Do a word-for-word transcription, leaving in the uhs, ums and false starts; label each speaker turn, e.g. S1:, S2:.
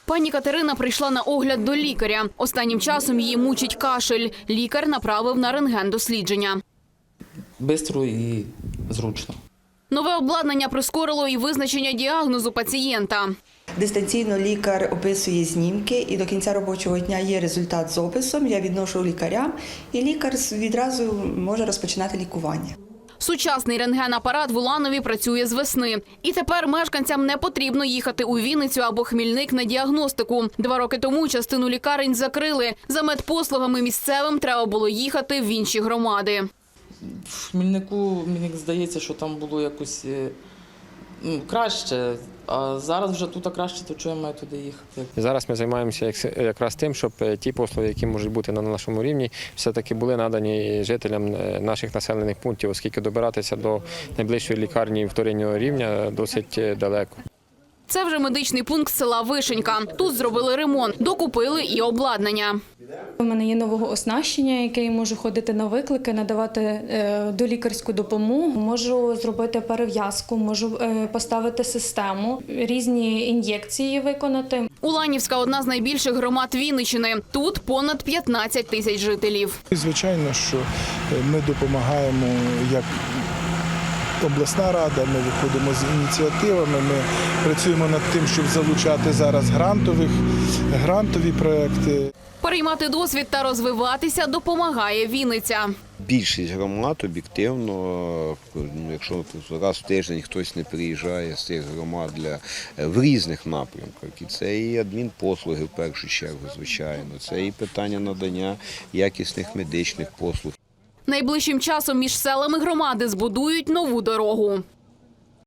S1: Пані Катерина прийшла на огляд до лікаря. Останнім часом її мучить кашель. Лікар направив на рентген-дослідження.
S2: Бистро і зручно.
S1: Нове обладнання прискорило і визначення діагнозу пацієнта.
S3: Дистанційно лікар описує знімки і до кінця робочого дня є результат з описом. Я відношу лікарям і лікар відразу може розпочинати лікування.
S1: Сучасний рентген-апарат в Уланові працює з весни. І тепер мешканцям не потрібно їхати у Вінницю або Хмільник на діагностику. Два роки тому частину лікарень закрили. За медпослугами місцевим треба було їхати в інші громади.
S2: В Хмільнику, мені здається, що там було якось ну, краще, а зараз вже тут краще, то чого я маю туди їхати?
S4: Зараз ми займаємося якраз тим, щоб ті послуги, які можуть бути на нашому рівні, все-таки були надані жителям наших населених пунктів, оскільки добиратися до найближчої лікарні вторинного рівня досить далеко.
S1: Це вже медичний пункт села Вишенька. Тут зробили ремонт, докупили і обладнання.
S5: У мене є нового оснащення, яке я можу ходити на виклики, надавати долікарську допомогу. Можу зробити перев'язку, можу поставити систему, різні ін'єкції виконати.
S1: Уланівська – одна з найбільших громад Вінниччини. Тут понад п'ятнадцять тисяч жителів.
S6: Звичайно, що ми допомагаємо як обласна рада, ми виходимо з ініціативами, ми працюємо над тим, щоб залучати зараз грантових, грантові проекти.
S1: Переймати досвід та розвиватися допомагає Вінниця.
S7: Більшість громад об'єктивно, якщо раз в тиждень хтось не приїжджає з цих громад для, в різних напрямках. І це і адмінпослуги в першу чергу, звичайно, це і питання надання якісних медичних послуг.
S1: Найближчим часом між селами громади збудують нову дорогу.